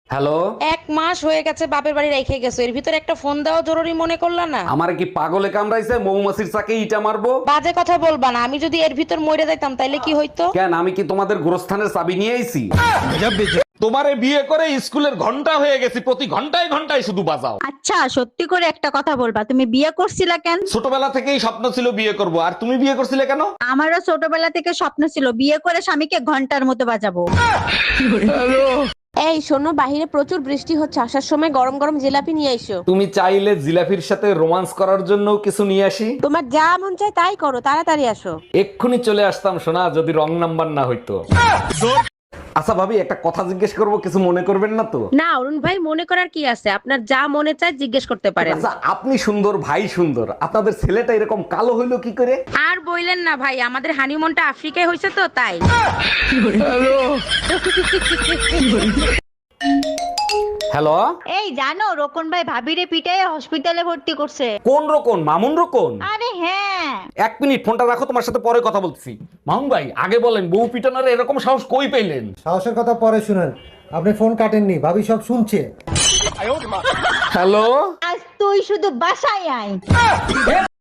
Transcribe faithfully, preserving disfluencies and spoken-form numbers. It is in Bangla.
হ্যালো, এক মাস হয়ে গেছে বাপের বাড়ি রেখে গেছো, এর ভিতরে একটা ফোন দেওয়া জরুরি মনে করলা না? আমার কি পাগলে কামড়াইছে? মৌমাছির চাকে ইটা মারবো? বাজে কথা বলবা না, আমি যদি এর ভিতর মরে যাইতাম তাইলে কি হইতো? কেন, আমি কি তোমাদের গোরস্থানের চাবি নিয়ে আইছি? তোমারে বিয়ে করে স্কুলের ঘন্টা হয়ে গেছি, প্রতি ঘন্টায় ঘন্টায় শুধু বাজাও। আচ্ছা, সত্যি করে একটা কথা বলবা, তুমি বিয়ে করছিলা কেন? ছোটবেলা থেকেই স্বপ্ন ছিল বিয়ে করব, আর তুমি বিয়ে করছিলে কেন? আমারও ছোটবেলা থেকে স্বপ্ন ছিল বিয়ে করে স্বামীকে ঘন্টার মতো বাজাবো। এই শোনো, বাহিরে প্রচুর বৃষ্টি হচ্ছে, আসার সময় গরম গরম জিলাপি নিয়ে এসো। তুমি চাইলে জিলাফির সাথে রোমান্স করার জন্য কিছু নিয়ে আসি। তোমার যা মন চায় তাই করো, তাড়াতাড়ি আসো। এক্ষুনি চলে আসতাম সোনা, যদি রং নাম্বার না হইতো। আচ্ছা ভাবি, একটা কথা জিজ্ঞেস করব, কিছু মনে করবেন না তো? না অরুণ ভাই, মনে করার কি আছে, আপনার যা মনে চায় জিজ্ঞেস করতে পারেন। আচ্ছা, আপনি সুন্দর, ভাই সুন্দর, আপনাদের ছেলেটা এরকম কালো হইলো কি করে? আর বইলেন না ভাই, আমাদের হানিমুনটা আফ্রিকায় হয়েছে তো তাই। হ্যালো, এই জানো, রোকন ভাই ভাবিরে পিটাই হসপিটালে ভর্তি করছে। কোন রকম? মামুন রকম? আরে হ্যাঁ। এক মিনিট, ফোনটা রাখো, তোমার সাথে পরে কথা বলছি। মামুন ভাই, আগে বলেন, বউ পিটানোর এরকম সাহস কই পেলেন? সাহসের কথা পরে শুনেন, আপনি ফোন কাটেননি, ভাবি সব শুনছে। হ্যালো, আজ তুই শুধু বাসায় আয়।